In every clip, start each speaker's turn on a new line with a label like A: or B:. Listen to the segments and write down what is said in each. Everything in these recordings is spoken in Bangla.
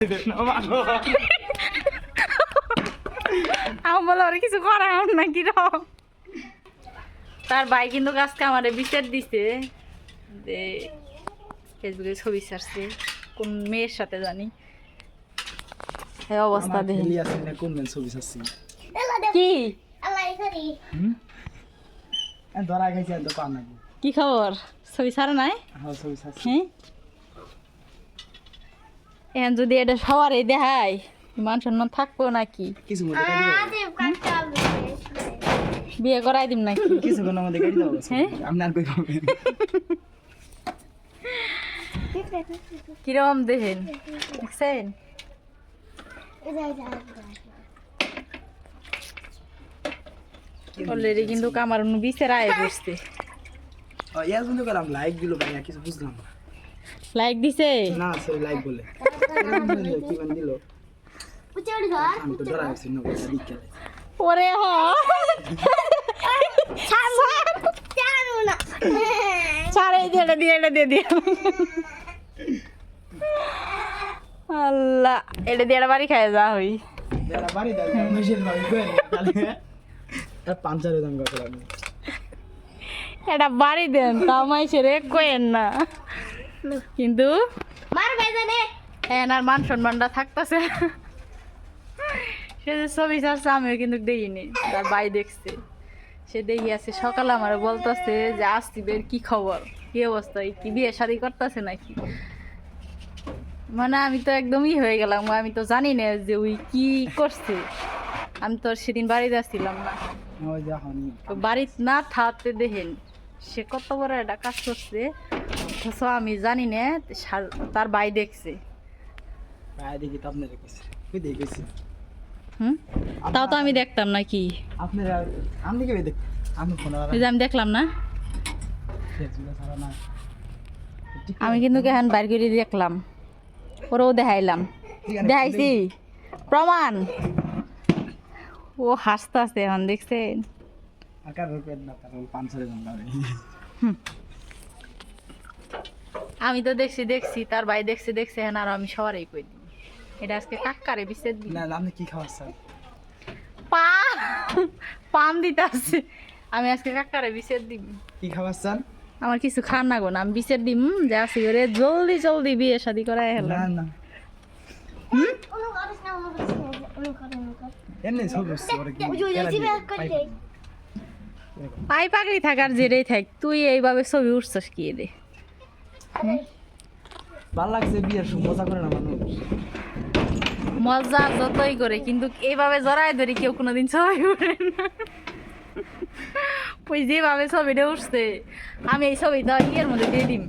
A: আমি বলো আর কিছু করা না কি রকম। তার ভাই কিন্তু আজকে আমার বিচার দিছে যে ফেসবুকে ছবি ছাড়ছে কোন মেয়ের সাথে জানি এই অবস্থা দেখে কি কি খবর ছবি ছাড়া নাই হ্যাঁ এখন যদি এটা সবার এই দেখায় মান সম্মান থাকবো নাকি বিয়ে করাই দিম নাকি কিরকম দেখেন দেখছেন অলরেডি কিন্তু আমার বিচার আয় বসছে
B: লাইক দিল ভাই কিছু বুঝলাম না
A: লাইক দিছে
B: না সে লাইক বলে কি মান দিল আমি তো ডরা গেছি না দিকে
A: ওরে হ সারে দিয়ে আল্লাহ এটা দিয়ে বাড়ি খায় যা হই
B: বাড়ি দাও মেশিন বাড়ি করে তাহলে আর পাঞ্চারে দাম কত লাগে
A: এটা বাড়ি দেন তাও মাইসেরে কোয়েন না কিন্তু আর মান সম্মানটা থাকতেছে সে যে ছবি ছাড়ছে আমিও কিন্তু দেখিনি তার ভাই দেখছে সে দেখি আছে সকালে আমার বলতেছে যে আসতিবের কি খবর কি অবস্থা কি বিয়ে শাদী করতেছে নাকি মানে আমি তো একদমই হয়ে গেলাম আমি তো জানি না যে ওই কি করছে আমি তো সেদিন বাড়িতে আসছিলাম না বাড়িতে না থাকতে দেখেন সে কত বড় একটা কাজ করছে অথচ আমি জানি না তার ভাই দেখছে তাও তো আমি দেখতাম নাকি আমি দেখলাম না আমি কিন্তু কেন বাইর করে দেখলাম ওরাও দেখাইলাম দেখাইছি প্রমাণ ও হাসতে আসতে এখন দেখছেন আমি তো দেখছি তার ভাই দেখছে হ্যাঁ আর আমি সবারই কই দিই এটা আজকে কাকারে বিছেদ দিই
B: না আপনি কি খাওয়াচ্ছেন
A: পাম দিতে আসছে আমি আজকে কাকারে বিছেদ দিই
B: কি খাওয়াচ্ছেন
A: আমার কিছু খান না গো না আমি বিছেদ দিম যে আসি করে জলদি বিয়ে শাদী করাই হলো
B: না না এমনি সব
A: পাই পাগলি থাকার জেরেই থাক তুই এইভাবে ছবি উঠছস কি রে
B: ভাল লাগছে বিয়ের মজা করে না মানুষ
A: মজা যতই করে কিন্তু এইভাবে জড়ায় ধরি কেউ কোনোদিন ছবি উঠে না ওই যেভাবে ছবিটা উঠছে আমি এই ছবিটা ইয়ের মধ্যে দিয়ে দিম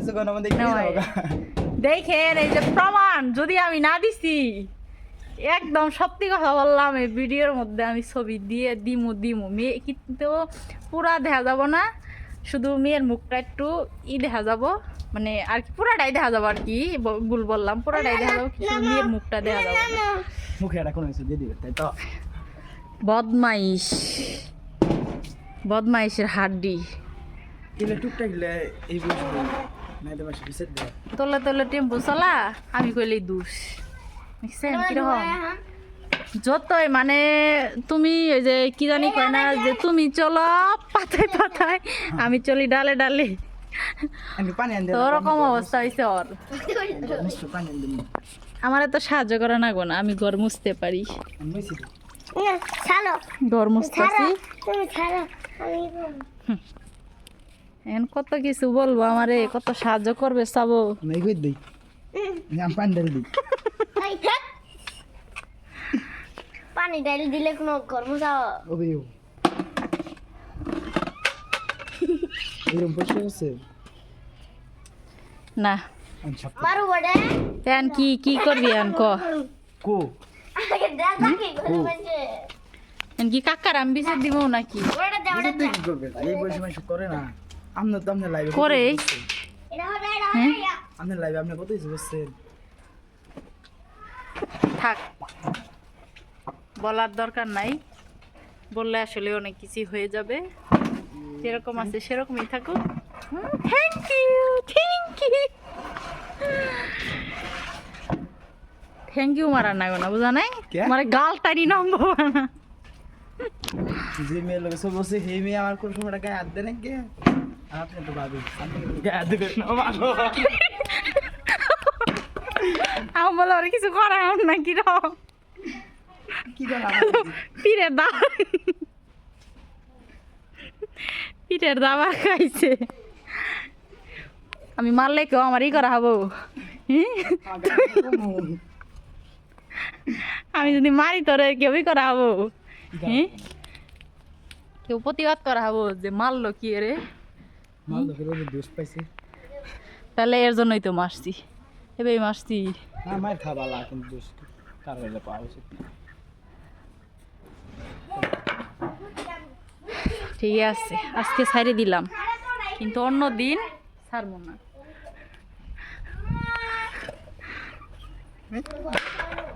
A: দেখেন এই যে প্রমাণ যদি আমি না দিছি একদম সত্যি কথা বললাম এই ভিডিওর মধ্যে আমি ছবি দিয়ে দিমু মেয়ে কিন্তু পুরা দেখা যাব না শুধু মেয়ের মুখটা একটু দেখা যাব মানে আর কি পুরাটাই দেখা যাবো আর কি ভুল বললাম পুরাটাই দেখা যাবো শুধু মেয়ের মুখটা দেখা যাবো
B: মুখে এটা কোনো কিছু দিয়ে দিবে তাই তো
A: বদমাইশের হাড্ডি
B: এলে টুকটাক গেলে এই বলছি না দেবা বিছেদ দে
A: তোলে টেম্পো চলা আমি কইলেই দুষ দেখছেন কিরকম যতই মানে তুমি ওই যে কি জানি কয় না যে তুমি চলো পাতায় আমি চলি ডালে ওরকম অবস্থা হয়েছে ওর আমার তো সাহায্য করে না গো না আমি ঘর মুছতে পারি ঘর মুছতেছি এখন কত কিছু বলবো আমারে কত সাহায্য করবে চাবো
C: পানি ডাল দিলে কোনো ঘর মুছাও
A: না
C: মারু বড়ে
A: তেন কি করবি আন কো এন কি কাকার আমি বিচার দিব নাকি
B: এই বয়সে মানুষ করে না আপনার তো আপনার লাইভে
A: করে
B: আপনার লাইভে আপনি কত কিছু করছেন
A: থাক বলার দরকার নাই বললে আসলে অনেক কিছু হয়ে যাবে যেরকম আছে সেরকমই থাকুক থ্যাংক ইউ থ্যাংক ইউ মারার না না বুঝা নাই
B: কে?
A: আমার গাল টানি নামবো না
B: যে মেয়ের লোক সব বসে হে মেয়ে আমার কোন সময়টা গায়ে হাত দেয় না কে আর আপনি তো ভাবি আপনি কিন্তু গায়ে হাত দেবেন না মানো
A: আমি বলে আর কিছু করা না কি র
B: কি করা
A: পীরের দা পীরের দাবা খাইছে আমি মারলে কেউ আমার ই করা হবো আমি যদি মারি তোরে কেউই করা হবো কেউ প্রতিবাদ করা হবো যে মারলো কি রে
B: মাল লোকের ওদের দোষ পাইছে
A: তাহলে এর জন্যই তো মারছি এবার মারছি
B: না মায়ের খাওয়া ভালো কিন্তু দোষ কার হইলে পাওয়া উচিত না
A: ঠিক আছে আজকে ছাইড়ে দিলাম কিন্তু অন্য দিন ছাড়বো না